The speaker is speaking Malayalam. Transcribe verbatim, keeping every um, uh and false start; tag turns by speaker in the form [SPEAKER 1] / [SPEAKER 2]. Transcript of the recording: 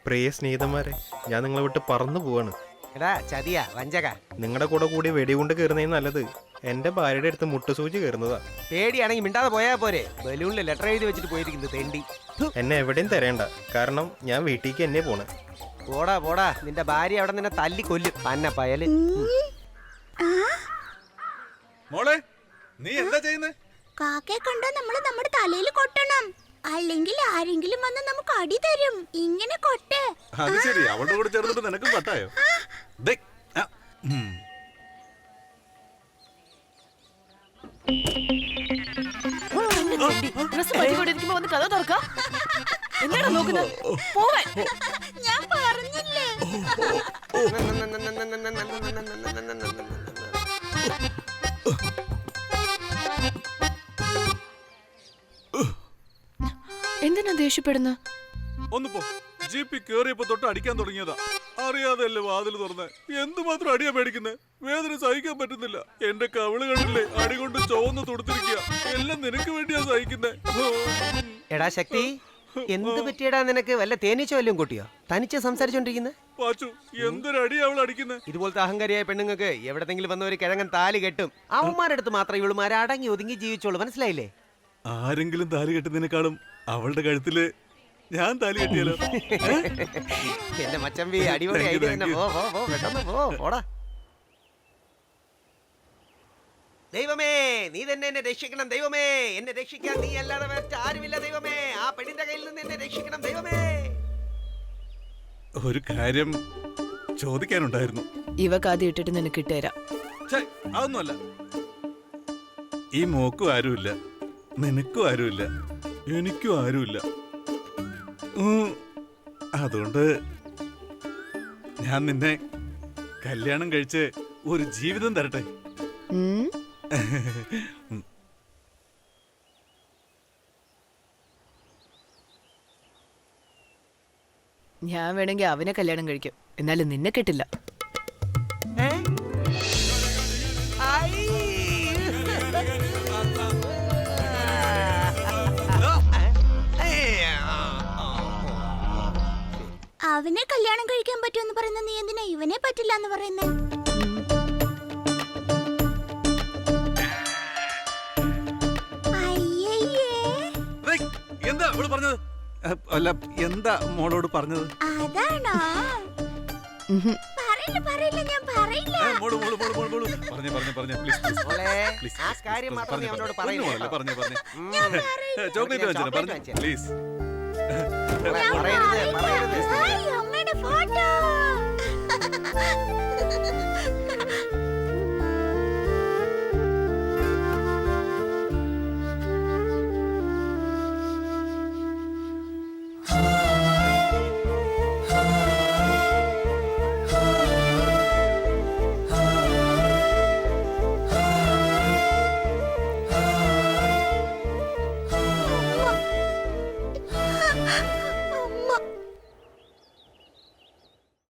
[SPEAKER 1] പ്രിയ സ്നേഹിതന്മാരെ, ഞാൻ നിങ്ങളെ വിട്ട് പറന്നു പോവാണ്.
[SPEAKER 2] എടാ ചതിയാ വഞ്ചക.
[SPEAKER 1] നിങ്ങളുടെ കൂടെ കൂടി വെടികൊണ്ട് കയറുന്നേ നല്ലത്. എന്റെ ഭാര്യയുടെ അടുത്ത് മുട്ടുസൂചി കയറുന്നതാ.
[SPEAKER 2] പേടിയാണെങ്കിൽ മിണ്ടാതെ പോയാ പോരെ. ബലൂണിൽ ലെറ്റർ എഴുതി വെച്ചിട്ട് പോയിരിക്കുന്നത് തെണ്ടി.
[SPEAKER 1] എന്നെ എവിടെയും തരേണ്ട, കാരണം ഞാൻ വീട്ടിലേക്ക് എന്നെ പോണേ.
[SPEAKER 2] പോടാ പോടാ, നിന്റെ ഭാര്യ അവിടെ നിന്നെ തല്ലി കൊല്ലും. പന്ന പയല്.
[SPEAKER 3] മോളെ, നീ എന്താ ചെയ്യുന്നേ?
[SPEAKER 4] കാക്കയെ കണ്ടാ നമ്മള് നമ്മുടെ തലയിൽ കൊട്ടണം, അല്ലെങ്കിൽ ആരെങ്കിലും വന്ന് നമുക്ക് അടി തരും. ഇങ്ങനെ കൊട്ട്.
[SPEAKER 3] അത് ശരി, അവളുടെ കൂടെ ചേർന്നിട്ട് നിനക്കും പട്ടായോ? ദേ, ആ, ഉം.
[SPEAKER 4] ഞാൻ പറഞ്ഞില്ലേ.
[SPEAKER 5] എന്തിനാ ദേഷ്യപ്പെടുന്ന?
[SPEAKER 3] ഒന്ന് പോ. ജീപ്പി കേറിയപ്പോ തൊട്ട് അടിക്കാൻ തുടങ്ങിയതാ. അറിയാതെയല്ലേ വാതിൽ തുറന്നേ. എന്തുമാത്രം അടിയാ പേടിക്കുന്നേ. വേദന സഹിക്കാൻ പറ്റുന്നില്ല. എന്റെ കവിള് കണ്ടില്ലേ, അടി കൊണ്ട് ചുവന്ന് തൊടുത്തിരിക്കുക. എല്ലാം നിനക്ക് വേണ്ടിയാ സഹിക്കുന്നേ.
[SPEAKER 2] എടാ ശക്തി, എന്ത് പറ്റിയടാ നിനക്ക്? വല്ല തേനീച്ച വല്ലതും കൂട്ടിയോ? തനിച്ച് സംസാരിച്ചോണ്ടിരിക്കുന്നേ.
[SPEAKER 3] പാച്ചു, എന്തൊരടി അവൾ അടിക്കുന്നേ.
[SPEAKER 2] ഇതുപോലത്തെ അഹങ്കാരിയായ പെണ്ണുങ്ങൾക്ക് എവിടെങ്കിലും വന്ന ഒരു കിഴങ്ങൻ താലി കെട്ടും. അവന്മാരെടുത്ത് മാത്രമേ ഇവളുമാരെ അടങ്ങി ഒതുങ്ങി ജീവിച്ചോളൂ. മനസ്സിലായില്ലേ?
[SPEAKER 3] ആരെങ്കിലും താലി കെട്ടുന്നതിനേക്കാളും അവളുടെ കഴുത്തില് ഞാൻ താലി കെട്ടിയാലോ?
[SPEAKER 2] എന്റെ മച്ചമ്പി അടിപൊളി ഐഡിയ തന്നെ. പോ പോ പോ, പെട്ടെന്ന് പോ, പോടാ. ദൈവമേ, നീ തന്നെ എന്നെ രക്ഷിക്കണം ദൈവമേ. എന്നെ രക്ഷിക്കാൻ നീ അല്ലാതെ മറ്റാരുമില്ല ദൈവമേ. ആ പെണ്ണിന്റെ കയ്യിൽ നിന്ന് എന്നെ രക്ഷിക്കണം ദൈവമേ.
[SPEAKER 3] ഒരു കാര്യം ചോദിക്കാനുണ്ടായിരുന്നു.
[SPEAKER 5] ഇവക്ക് ആദ്യം ഇട്ടിട്ട് നിനക്ക് ഇട്ടുതരാം.
[SPEAKER 3] ഛെ, അതൊന്നുമല്ല. ഈ മോക്കും ആരുമില്ല, നിനക്കും ആരുമില്ല, എനിക്കും ആരുമില്ല. ഉം, അതുകൊണ്ട് ഞാൻ നിന്നെ കല്യാണം കഴിച്ച് ഒരു ജീവിതം തരട്ടെ.
[SPEAKER 5] ഉം. ഞാൻ വേണമെങ്കിൽ അവനെ കല്യാണം കഴിക്കും, എന്നാലും നിന്നെ കെട്ടില്ല.
[SPEAKER 2] ഏ? ഐ.
[SPEAKER 4] അവനെ കല്യാണം കഴിക്കാൻ പറ്റുമെന്ന് പറയുന്ന നീ എന്തിനാ ഇവനെ പറ്റില്ല എന്ന് പറയുന്നേ?
[SPEAKER 3] എന്താ അവള് പറഞ്ഞത്? അല്ല, എന്താ മോളോട് പറഞ്ഞത്?
[SPEAKER 4] അതാണോ? പറയില്ല പറയില്ല, ഞാൻ പറയില്ല.
[SPEAKER 3] മോള് മോള് മോള് മോള് മോള് പറഞ്ഞേ പറഞ്ഞേ പറഞ്ഞേ പ്ലീസ് പ്ലീസ്
[SPEAKER 2] മോളെ,
[SPEAKER 3] പ്ലീസ്
[SPEAKER 2] ആ കാര്യം മാത്രം നീ അവനോട് പറയില്ല.
[SPEAKER 3] പറഞ്ഞേ പറഞ്ഞേ ചോക്ലേറ്റ് വാങ്ങിച്ചു പറഞ്ഞേ പ്ലീസ്.
[SPEAKER 2] പറയരുത് പറയരുത്.